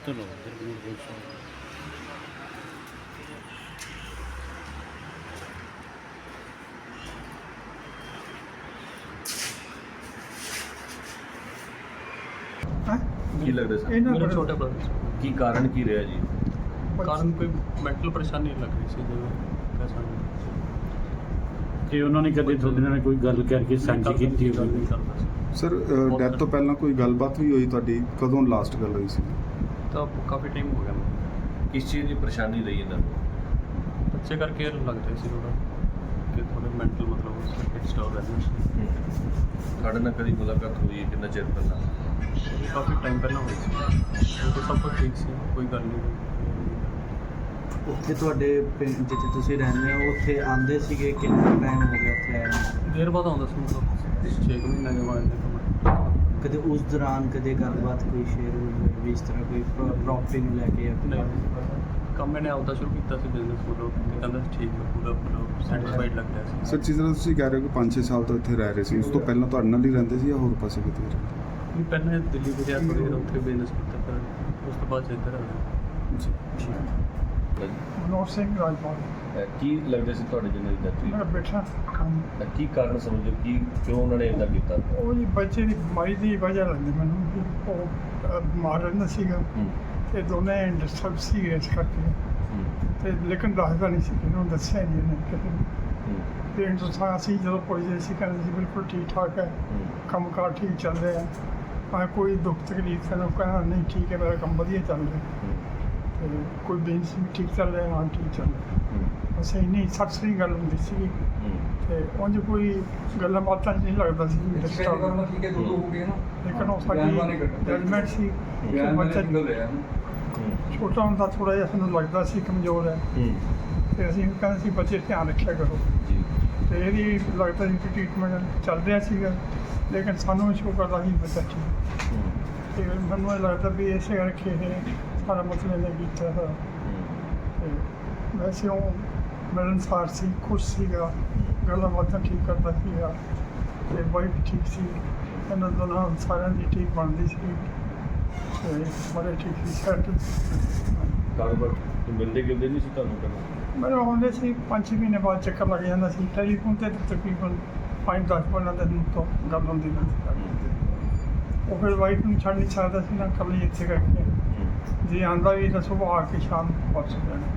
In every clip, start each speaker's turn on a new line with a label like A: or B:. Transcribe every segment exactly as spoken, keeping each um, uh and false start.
A: ਚਲੋ ਇੱਧਰ ਵੀ ਪੁਲਿਸ ਵਾਲੇ।
B: ਹੈਂ?
C: ਕੀ ਲੱਗਦਾ ਸਰ
B: ਇਹਨਾਂ
D: ਮੇਰਾ
B: ਬੜੇ-
D: ਛੋਟਾ ਬ੍ਰਦਰ
C: ਕੀ ਕਾਰਨ ਕੀ ਰਿਹਾ ਜੀ?
D: ਕਾਰਨ ਕੋਈ ਮੈਂਟਲ ਪਰੇਸ਼ਾਨੀ ਲੱਗ ਰਹੀ ਸੀ ਜਿਵੇਂ ਕਹਿ ਸਕਦੇ
A: ਕਿ ਉਹਨਾਂ ਨੇ ਕਦੇ ਤੁਹਾਡੇ ਨਾਲ ਕੋਈ ਗੱਲ ਕਰਕੇ ਸਾਂਝੀ ਕੀਤੀ
D: ਗੱਲ
A: ਹੋਵੇ?
D: ਨਹੀਂ ਕਰਦਾ ਸੀ
E: ਸਰ ਡੈਥ ਤੋਂ ਪਹਿਲਾਂ ਕੋਈ ਗੱਲਬਾਤ ਵੀ ਹੋਈ ਤੁਹਾਡੀ? ਕਦੋਂ ਲਾਸਟ ਗੱਲ ਹੋਈ ਸੀ?
D: ਤਾਂ ਕਾਫੀ ਟਾਈਮ ਹੋ ਗਿਆ ਮੈਨੂੰ।
C: ਕਿਸ ਚੀਜ਼ ਦੀ ਪਰੇਸ਼ਾਨੀ ਰਹੀ ਇਹਨਾਂ ਨੂੰ?
D: ਬੱਚੇ ਕਰਕੇ ਲੱਗ ਰਿਹਾ ਸੀ ਥੋੜਾ ਕਿ ਥੋੜੇ ਮੈਂਟਲ ਮਤਲਬ ਉਸ ਡਿਸਟਰਬ ਰਹਿੰਦੇ ਸੀ।
C: ਤੁਹਾਡੇ ਨਾਲ ਕਦੀ ਮੁਲਾਕਾਤ ਹੋਈ ਹੈ? ਕਿੰਨਾ ਚਿਰ ਪਹਿਲਾਂ?
D: ਕਾਫੀ ਟਾਈਮ ਪਹਿਲਾਂ ਹੋਈ ਸੀ ਉਹ ਸਭ ਕੁਝ ਠੀਕ ਸੀ, ਕੋਈ ਗੱਲ ਨਹੀਂ ਹੋਈ।
F: ਉੱਥੇ ਤੁਹਾਡੇ ਪਿੰਡ ਜਿੱਥੇ ਤੁਸੀਂ ਰਹਿੰਦੇ ਹੋ ਉੱਥੇ ਆਉਂਦੇ ਸੀਗੇ? ਕਿੰਨਾ ਟਾਈਮ ਹੋ ਗਿਆ ਉੱਥੇ ਆਏ ਨੂੰ?
D: ਦੇਰ ਬਾਅਦ ਆਉਂਦਾ ਸੀ ਮਤਲਬ ਛੇ ਕੁ ਮਹੀਨੇ ਦੇ ਬਾਅਦ ਨਿਕਲ
F: ਕਦੇ ਉਸ ਦੌਰਾਨ ਕਦੇ ਗੱਲਬਾਤ ਕੋਈ ਸ਼ੇਅਰ ਹੋਈ ਹੋਵੇ ਵੀ ਇਸ ਤਰ੍ਹਾਂ ਕੋਈ ਪ੍ਰੋਪਰਟੀ ਨੂੰ ਲੈ ਕੇ ਜਾਂ ਕੋਈ
D: ਨਹੀਂ ਕੰਮ ਮੈंने ਆਪਦਾ ਸ਼ੁਰੂ ਕੀਤਾ ਸੀ ਬਿਜ਼ਨਸ ਫੋਟੋ ਤੇ ਕਹਿੰਦਾ ਸੀ ਠੀਕ ਹੈ ਪੂਰਾ ਪੂਰਾ ਸੈਟੀਸਫਾਈਡ ਲੱਗ ਰਿਹਾ ਸੀ।
E: ਸਰ ਜਿਸ ਤਰ੍ਹਾਂ ਤੁਸੀਂ ਕਹਿ ਰਹੇ ਹੋ ਕਿ ਪੰਜ ਛੇ ਸਾਲ ਤੋਂ ਇੱਥੇ ਰਹਿ ਰਹੇ ਸੀ, ਉਸ ਤੋਂ ਪਹਿਲਾਂ ਤੁਹਾਡੇ ਨਾਲ ਹੀ ਰਹਿੰਦੇ ਸੀ ਜਾਂ ਹੋਰ ਪਾਸੇ ਕਿਤੇ ਰਹਿੰਦੇ?
D: ਵੀ ਪਹਿਲਾਂ ਦਿੱਲੀ ਵਿਦਿਆ ਥੋੜ੍ਹੀ ਦੇਰ ਉੱਥੇ ਬਿਜ਼ਨਸ ਕੀਤਾ ਫਿਰ ਉਸ ਤੋਂ ਬਾਅਦ ਇੱਧਰ ਆ ਗਿਆ।
E: ਜੀ
B: ਮਨੋਹਰ ਸਿੰਘ ਰਾਜਪਾਲ
C: ਅਹ ਕੀ ਲੱਗਦਾ ਸੀ ਤੁਹਾਡੇ ਜਿਹਨਾਂ ਦੀ ਡੈਥ
B: ਮੇਰਾ
C: ਹੋਈ?
B: ਬੇਟਾ ਕੰਮ
C: ਅਹ ਕੀ ਕਾਰਨ ਸਮਝੋ ਕੀ ਕਿਉਂ ਉਹਨਾਂ ਨੇ ਇਦਾਂ ਕੀਤਾ?
B: ਉਹ ਜੀ ਬੱਚੇ ਦੀ ਬਿਮਾਰੀ ਦੀ ਵਜ੍ਹਾ ਲੱਗਦੀ ਮੈਨੂੰ ਕਿ ਉਹ ਅਹ, ਬਿਮਾਰ ਰਹਿੰਦਾ ਸੀਗਾ
C: ਹੂੰ
B: ਤੇ ਦੋਨੇ ਡਿਸਟਰਬ ਸੀਗੇ ਇਸ ਕਰਕੇ।
C: ਹੂੰ
B: ਤੇ ਲੇਕਿਨ ਦੱਸਦਾ ਨਹੀਂ ਸੀ ਕਿ ਉਹਨੂੰ ਦੱਸਿਆ ਨਹੀਂ ਇਹਨੇ ਕਿਸੇ ਨੂੰ।
C: ਹੂੰ
B: ਪੇਰੈਂਟਸ ਤੋਂ ਸਾਂ ਅਸੀਂ ਜਦੋਂ ਪੁੱਛਦੇ ਸੀ ਕਹਿੰਦੇ ਸੀ ਬਿਲਕੁਲ ਠੀਕ ਠਾਕ ਹੈ,
C: ਹੂੰ
B: ਕੰਮਕਾਰ ਠੀਕ ਚੱਲ ਰਿਹਾ ਹੈ, ਭਾਵੇਂ ਕੋਈ ਦੁੱਖ ਤਕਲੀਫ ਹੈ ਨਾ, ਉਹ ਕਹਿੰਦਾ ਨਹੀਂ ਠੀਕ ਹੈ ਮੇਰਾ ਕੰਮ ਵਧੀਆ ਚੱਲ ਰਿਹਾ
C: ਹੂੰ
B: ਤੇ ਕੋਈ ਬਿਜ਼ਨਸ ਵੀ ਠੀਕ ਚੱਲ ਰਿਹਾ, ਹਾਂ ਠੀਕ ਚੱਲ ਰਿਹਾ।
C: ਹੂੰ
B: ਬਸ ਇੰਨੀ ਸੱਚ ਸਹੀ ਗੱਲ ਹੁੰਦੀ ਸੀ
C: ਹੂੰ
B: ਤੇ ਉਂਝ ਕੋਈ ਗੱਲਾਂ ਬਾਤਾਂ 'ਚ ਨਹੀਂ ਲੱਗਦਾ ਸੀ ਡਿਸਟਰਬ,
G: ਠੀਕ ਹੈ ਦੋ ਹੋ ਗਏ ਨਾ
B: ਲੇਕਿਨ ਉਹ
G: ਬਿਆਨ ਬਾਰੇ
B: ਸਾਡੀ
G: ਕੱਢੋ।
B: ਜਜਮੈਂਟ ਸੀ ਕਿ
G: ਬਿਆਨ ਵਾਲੇ
B: ਬੱਚਾ
G: ਸਿੰਗਲ ਰਿਹਾ
C: ਹੂੰ
B: ਛੋਟਾ ਹੁੰਦਾ ਥੋੜ੍ਹਾ ਜਿਹਾ ਸਾਨੂੰ ਲੱਗਦਾ ਸੀ ਕਮਜ਼ੋਰ ਹੈ
C: ਹੂੰ
B: ਤੇ ਅਸੀਂ ਕਹਿੰਦੇ ਸੀ ਬੱਚੇ ਧਿਆਨ ਰੱਖਿਆ ਕਰੋ
C: ਜੀ
B: ਤੇ ਇਹਦੀ ਲੱਗਦਾ ਸੀ ਕਿ ਟ੍ਰੀਟਮੈਂਟ ਚੱਲ ਰਿਹਾ ਸੀਗਾ, ਲੇਕਿਨ ਸਾਨੂੰ ਸ਼ੋ ਕਰਦਾ ਸੀ ਬੱਚਾ ਠੀਕ।
C: ਹੂੰ
B: ਤੇ ਮੈਨੂੰ ਇਹ ਲੱਗਦਾ ਵੀ ਇਸੇ ਕਰਕੇ ਇਹ ਸਾਰਾ ਮਸਲੇ ਨੇ ਕੀਤਾ ਹੈ।
C: ਹੂੰ
B: ਤੇ ਵੈਸੇ ਉਹ ਮਿਲਣਸਾਰ ਸੀ, ਖੁਸ਼ ਸੀਗਾ, ਗੱਲਾਂ ਬਾਤਾਂ ਠੀਕ ਕਰਦਾ ਸੀਗਾ ਤੇ ਵਾਈਫ ਠੀਕ ਸੀ, ਇਹਨਾਂ ਦੋਨਾਂ ਸਾਰਿਆਂ ਦੀ ਠੀਕ ਬਣਦੀ ਸੀ ਤੇ ਬੜੇ ਠੀਕ ਸੀ ਸੈਟ।
C: ਕਾਰੋਬਾਰ ਤੋਂ ਮਿਲਦੇ ਗਿਲਦੇ ਨਹੀਂ ਸੀ ਤੁਹਾਨੂੰ ਕਦੇ?
B: ਮੈਨੂੰ ਆਉਂਦੇ ਸੀ ਪੰਜ ਛੇ ਮਹੀਨੇ ਬਾਅਦ ਚੱਕਰ ਲੱਗ ਜਾਂਦਾ ਸੀ, ਟੈਲੀਫੋਨ 'ਤੇ ਤਾਂ ਤਕਰੀਬਨ ਪੰਜ ਦਸ ਪੰਦਰਾਂ ਦਿਨ ਤੋਂ ਗੱਲ ਹੁੰਦੀ ਰਹਿੰਦੀ ਸੀ। ਉਹ ਫਿਰ ਵਾਈਫ ਨੂੰ ਛੱਡ ਨਹੀਂ ਸਕਦਾ ਸੀ ਨਾ, ਇਕੱਲੀ ਇੱਥੇ ਕਰਕੇ
C: ਹੂੰ
B: ਜੇ ਆਂਦਾ ਵੀ ਤਾਂ ਸੁਬਾਹ ਆ ਕੇ ਸ਼ਾਮ ਨੂੰ ਵਾਪਸ ਹੋ ਜਾਣਾ।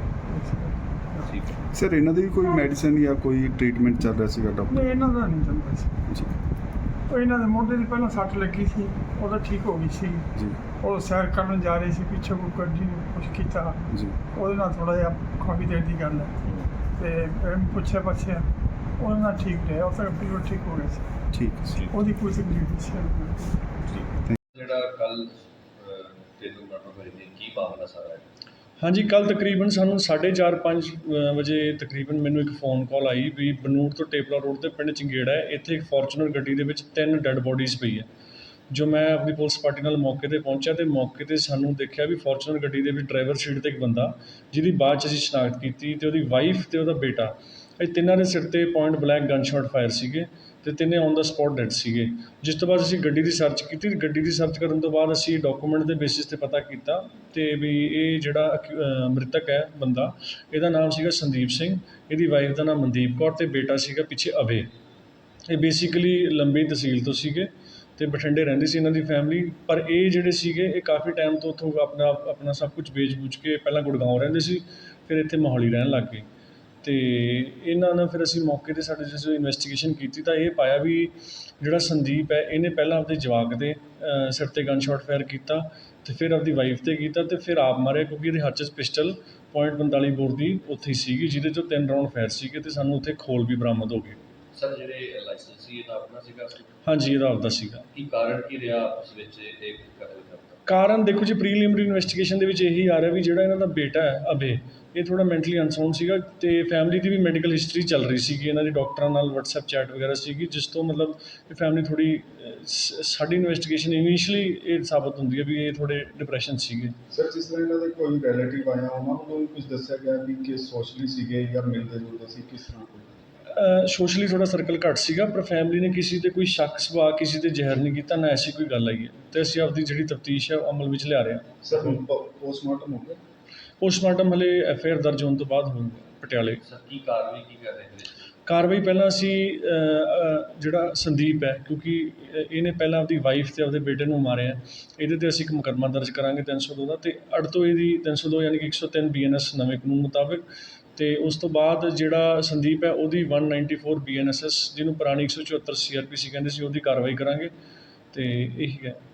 C: ਠੀਕ ਹੈ।
E: ਸਰ ਇਹਨਾਂ ਦੀ ਵੀ ਕੋਈ ਮੈਡੀਸਿਨ ਜਾਂ ਕੋਈ ਟ੍ਰੀਟਮੈਂਟ ਚੱਲ ਰਿਹਾ ਸੀਗਾ
B: ਨਹੀਂ
E: ਡਾਕਟਰ?
B: ਇਹਨਾਂ ਦਾ ਨਹੀਂ ਚੱਲਦਾ ਸੀ।
E: ਜੀ
B: ਉਹ ਇਹਨਾਂ ਦੇ ਮੋਢੇ ਦੀ ਪਹਿਲਾਂ ਸੱਟ ਲੱਗੀ ਸੀ, ਉਹਦਾ ਠੀਕ ਹੋ ਗਈ ਸੀ।
E: ਜੀ
B: ਉਹ ਸੈਰ ਕਰਨ ਜਾ ਰਹੇ ਸੀ, ਪਿੱਛੇ ਕੋਈ ਗੱਡੀ ਨੇ ਕੁਛ ਕੀਤਾ,
E: ਜੀ
B: ਉਹਦੇ ਨਾਲ ਥੋੜ੍ਹਾ ਜਿਹਾ ਕਾਫੀ ਦੇਰ ਦੀ ਗੱਲ ਹੈ
C: ਹੂੰ
B: ਤੇ ਫਿਰ ਪੁੱਛਿਆ ਪੁੱਛਿਆ ਉਹਦੇ ਨਾਲ ਠੀਕ ਰਿਹਾ, ਉਹ ਤਾਂ ਬਿਲਕੁਲ ਠੀਕ ਹੋ ਗਿਆ ਸੀ।
E: ਠੀਕ ਹੈ ਸਰ।
B: ਉਹਦੀ ਕੋਈ ਤਕਲੀਫ ਨਹੀਂ ਸੀ।
C: ਜਿਹੜਾ ਕੱਲ ਤੈਨੂੰ ਮਰਨ ਹੋਈ ਸੀ, ਕੀ ਮਾਮਲਾ ਸਾਰਾ ਹੈ?
D: ਹਾਂਜੀ ਕੱਲ ਤਕਰੀਬਨ ਸਾਨੂੰ ਸਾਢੇ ਚਾਰ ਪੰਜ ਵਜੇ ਤਕਰੀਬਨ ਮੈਨੂੰ ਇੱਕ ਫੋਨ ਕਾਲ ਆਈ ਵੀ ਬਨੂੜ ਤੋਂ ਟੇਪਲਾ ਰੋਡ ਤੇ ਪਿੰਡ ਚੰਗੇੜਾ ਹੈ, ਇੱਥੇ ਇੱਕ ਫੋਰਚੂਨਰ ਗੱਡੀ ਦੇ ਵਿੱਚ ਤਿੰਨ ਡੈੱਡ ਬੋਡੀਜ਼ ਪਈ ਹੈ। ਜੋ ਮੈਂ ਆਪਣੀ ਪੁਲਿਸ ਪਾਰਟੀ ਨਾਲ ਮੌਕੇ 'ਤੇ ਪਹੁੰਚਿਆ ਤੇ ਮੌਕੇ 'ਤੇ ਸਾਨੂੰ ਦੇਖਿਆ ਵੀ ਫੋਰਚੂਨਰ ਗੱਡੀ ਦੇ ਵਿੱਚ ਡਰਾਈਵਰ ਸੀਟ 'ਤੇ ਇੱਕ ਬੰਦਾ, ਜਿਹਦੀ ਬਾਅਦ 'ਚ ਅਸੀਂ ਸ਼ਨਾਖਤ ਕੀਤੀ ਤੇ ਉਹਦੀ ਵਾਈਫ ਤੇ ਉਹਦਾ ਬੇਟਾ, ਇਹ ਤਿੰਨਾਂ ਦੇ ਸਿਰ 'ਤੇ point blank gun shot fire ਸੀਗੇ ਤੇ ਤਿੰਨੇ ਔਨ ਦਾ ਸਪੌਟ ਡੈਡ ਸੀਗੇ। ਜਿਸ ਤੋਂ ਬਾਅਦ ਅਸੀਂ ਗੱਡੀ ਦੀ ਸਰਚ ਕੀਤੀ। ਗੱਡੀ ਦੀ ਸਰਚ ਕਰਨ ਤੋਂ ਬਾਅਦ ਅਸੀਂ ਡਾਕੂਮੈਂਟ ਦੇ ਬੇਸਿਸ 'ਤੇ ਪਤਾ ਕੀਤਾ ਤੇ ਵੀ ਇਹ ਜਿਹੜਾ ਅਕਿ- ਅ, ਮ੍ਰਿਤਕ ਹੈ ਬੰਦਾ, ਇਹਦਾ ਨਾਮ ਸੀਗਾ ਸੰਦੀਪ ਸਿੰਘ, ਇਹਦੀ ਵਾਈਫ ਦਾ ਨਾਮ ਮਨਦੀਪ ਕੌਰ ਤੇ ਬੇਟਾ ਸੀਗਾ ਪਿੱਛੇ ਅਭੇ। ਇਹ ਬੇਸਿਕਲੀ ਲੰਬੀ ਤਹਿਸੀਲ ਤੋਂ ਸੀਗੇ ਤੇ ਬਠਿੰਡੇ ਰਹਿੰਦੀ ਸੀ ਇਹਨਾਂ ਦੀ ਫੈਮਿਲੀ। ਪਰ ਇਹ ਜਿਹੜੇ ਸੀਗੇ ਇਹ ਕਾਫੀ ਟਾਈਮ ਤੋਂ ਉੱਥੋਂ ਆਪਣਾ ਆਪਣਾ ਸਭ ਕੁਝ ਵੇਚ ਵੂਚ ਕੇ ਪਹਿਲਾਂ ਗੁੜਗਾਉਂ ਰਹਿੰਦੇ ਸੀ, ਫਿਰ ਇੱਥੇ ਮੋਹਾਲੀ ਰਹਿਣ ਲੱਗ ਗਏ। ਅਤੇ ਇਹਨਾਂ ਨਾਲ ਫਿਰ ਅਸੀਂ ਮੌਕੇ 'ਤੇ ਸਾਡੇ ਜਦੋਂ ਇਨਵੈਸਟੀਗੇਸ਼ਨ ਕੀਤੀ ਤਾਂ ਇਹ ਪਾਇਆ ਵੀ ਜਿਹੜਾ ਸੰਦੀਪ ਹੈ ਇਹਨੇ ਪਹਿਲਾਂ ਆਪਦੇ ਜਵਾਕ ਦੇ ਅ, ਸਿਰ 'ਤੇ ਗਨ ਸ਼ਾਟ ਫਾਇਰ ਕੀਤਾ ਅਤੇ ਫਿਰ ਆਪਦੀ ਵਾਈਫ 'ਤੇ ਕੀਤਾ ਅਤੇ ਫਿਰ ਆਪ ਮਾਰਿਆ, ਕਿਉਂਕਿ ਇਹਦੇ ਹੱਥ 'ਚ ਪਿਸਟਲ ਪੁਆਇੰਟ ਪੰਤਾਲੀ ਬੋਰ ਦੀ ਉੱਥੇ ਹੀ ਸੀਗੀ, ਜਿਹਦੇ 'ਚੋਂ ਤਿੰਨ ਰਾਊਂਡ ਫਾਇਰ ਸੀਗੇ ਅਤੇ ਸਾਨੂੰ ਉੱਥੇ ਖੋਲ ਵੀ ਬਰਾਮਦ ਹੋ ਗਏ।
C: ਸਰ ਜਿਹੜੇ ਲਾਇਸੈਂਸ ਸੀ ਇਹਦਾ ਆਪਣਾ ਸੀਗਾ?
D: ਹਾਂਜੀ ਇਹਦਾ ਆਪਦਾ ਸੀਗਾ।
C: ਕੀ ਕਾਰਨ ਕੀ ਰਿਹਾ ਆਪਸ ਵਿੱਚ ਇਹ ਕਤਲ ਕਰਨ ਦਾ?
D: ਕਾਰਨ ਦੇਖੋ ਜੀ, ਪ੍ਰੀਲਿਮਿਨਰੀ ਇਨਵੈਸਟੀਗੇਸ਼ਨ ਦੇ ਵਿੱਚ ਇਹੀ ਆ ਰਿਹਾ ਵੀ ਜਿਹੜਾ ਇਹਨਾਂ ਦਾ ਬੇਟਾ ਹੈ ਅਭੇ, ਇਹ ਥੋੜ੍ਹਾ ਮੈਂਟਲੀ ਅਨਸਾਊਂਡ ਸੀਗਾ ਅਤੇ ਫੈਮਿਲੀ ਦੀ ਵੀ ਮੈਡੀਕਲ ਹਿਸਟਰੀ ਚੱਲ ਰਹੀ ਸੀਗੀ, ਇਹਨਾਂ ਦੀ ਡਾਕਟਰਾਂ ਨਾਲ ਵਟਸਐਪ ਚੈਟ ਵਗੈਰਾ ਸੀਗੀ, ਜਿਸ ਤੋਂ ਮਤਲਬ ਇਹ ਫੈਮਿਲੀ ਥੋੜ੍ਹੀ ਸਾਡੀ ਇਨਵੈਸਟੀਗੇਸ਼ਨ ਇਨੀਸ਼ੀਅਲੀ ਇਹ ਸਾਬਤ ਹੁੰਦੀ ਹੈ ਵੀ ਇਹ ਥੋੜ੍ਹੇ ਡਿਪਰੈਸ਼ਨ ਸੀਗੇ।
E: ਸਰ ਜਿਸ ਤਰ੍ਹਾਂ ਇਹਨਾਂ ਦੇ ਕੋਈ ਰਿਲੇਟਿਵ ਆਇਆ ਉਹਨਾਂ ਨੂੰ ਕੁਝ ਦੱਸਿਆ ਗਿਆ ਵੀ ਕਿ ਸੋਸ਼ਲੀ ਸੀਗੇ ਜਾਂ ਮਿਲਦੇ ਜੁਲਦੇ ਸੀ, ਕਿਸ ਤਰ੍ਹਾਂ ਕੋਈ?
D: ਸੋਸ਼ਲੀ ਥੋੜ੍ਹਾ ਸਰਕਲ ਘੱਟ ਸੀਗਾ, ਪਰ ਫੈਮਿਲੀ ਨੇ ਕਿਸੇ 'ਤੇ ਕੋਈ ਸ਼ੱਕ ਸੁਭਾਅ, ਕਿਸੇ 'ਤੇ ਜ਼ਹਿਰ ਨਹੀਂ ਕੀਤਾ, ਨਾ ਐਸੀ ਕੋਈ ਗੱਲ ਆਈ ਹੈ, ਅਤੇ ਅਸੀਂ ਆਪਦੀ ਜਿਹੜੀ ਤਫਤੀਸ਼ ਹੈ ਉਹ ਅਮਲ ਵਿੱਚ ਲਿਆ ਰਹੇ ਹਾਂ।
E: ਸਰ ਹੁਣ ਪੋਸਟਮਾਰਟਮ ਹੋ ਗਿਆ?
D: ਪੋਸਟਮਾਰਟਮ ਹਲੇ ਐਫ ਆਈ ਆਰ ਦਰਜ ਹੋਣ ਤੋਂ ਬਾਅਦ ਹੋਊਗਾ ਪਟਿਆਲੇ।
C: ਸਰ ਕੀ ਕਾਰਵਾਈ ਕੀ ਕਰ ਰਹੇ ਨੇ?
D: ਕਾਰਵਾਈ ਪਹਿਲਾਂ ਅਸੀਂ ਅ, ਅ, ਜਿਹੜਾ ਸੰਦੀਪ ਹੈ, ਕਿਉਂਕਿ ਇਹਨੇ ਪਹਿਲਾਂ ਆਪਦੀ ਵਾਈਫ ਅਤੇ ਆਪਦੇ ਬੇਟੇ ਨੂੰ ਮਾਰਿਆ, ਇਹਦੇ 'ਤੇ ਅਸੀਂ ਇੱਕ ਮੁਕੱਦਮਾ ਦਰਜ ਕਰਾਂਗੇ ਤਿੰਨ ਸੌ ਦੋ ਦਾ, ਅਤੇ ਅੜ ਤੋਂ ਇਹਦੀ ਤਿੰਨ ਸੌ ਦੋ ਯਾਨੀ ਕਿ ਇੱਕ ਸੌ ਤਿੰਨ ਬੀ ਐਨ ਐਸ ਨਵੇਂ ਕਾਨੂੰਨ ਮੁਤਾਬਿਕ, ਅਤੇ ਉਸ ਤੋਂ ਬਾਅਦ ਜਿਹੜਾ ਸੰਦੀਪ ਹੈ ਉਹਦੀ one ninety four B N S S ਜਿਹਨੂੰ ਪੁਰਾਣੀ ਇੱਕ ਸੌ ਚੁਹੱਤਰ ਸੀ ਆਰ ਪੀ ਸੀ ਕਹਿੰਦੇ ਸੀ, ਉਹਦੀ ਕਾਰਵਾਈ ਕਰਾਂਗੇ, ਅਤੇ ਇਹੀ ਹੈ।